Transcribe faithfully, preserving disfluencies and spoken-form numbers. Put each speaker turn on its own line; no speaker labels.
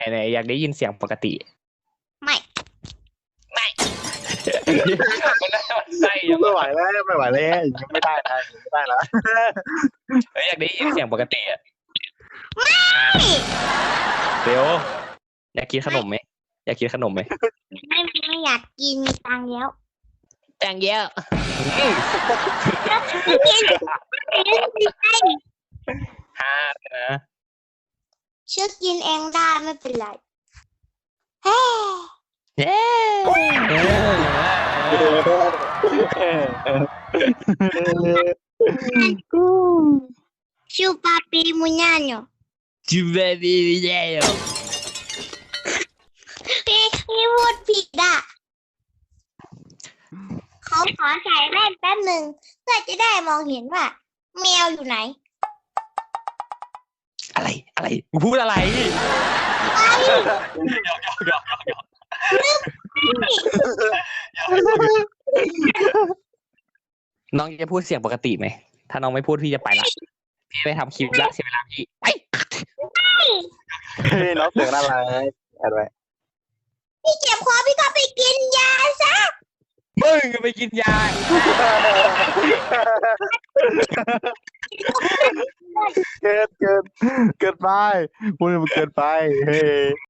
ไหนๆอยากได้ยินเสียงปกติ
ไม่
ไม่มันน่ามันใช่ยัง
ไม่ไหวแล้วไม่ไหวแล้วอย่างนี้ไม่ได้นะอย่างนี้ไม่ได้ละ
เฮ้ยอยากได้ยินเสียงปกติอะ
ไม่
เดี๋ยวอยากกินขนมไหมอยากกินขนมไหม
ไม่ไม่อยากกินมีตังค์แล้ว
แตงเยอะ
ไม่กินไม่ได้
ฮานะ
เชื่อกินเองได้ไม่เป็นไรเฮ้
เย้เออ
ชูปาปีมุญญาโน
จูเบบี้เย้
พี่พี่พูดผิดอ่ะเขาขอใส่แว่นแป๊บหนึ่งเพื่อจะได้มองเห็นว่าแมวอยู่ไหน
อะไรอะไรมึงพูดอะไร
ไป
หยอกหยอกหยอกหยอกหยอกน้องจะพูดเสียงปกติไหมถ้าน้องไม่พูดพี่จะไปละพี่ไปทำคลิปละเสียเวลาพี่ไป
เฮ้ยน้องเสียงน่ารักอะไร
พี่เจ็บคอพี่ก็ไปกินยาซะ
มึงไปกินยา
เกินเกินเกินไปพูดมันเกินไปเฮ้ย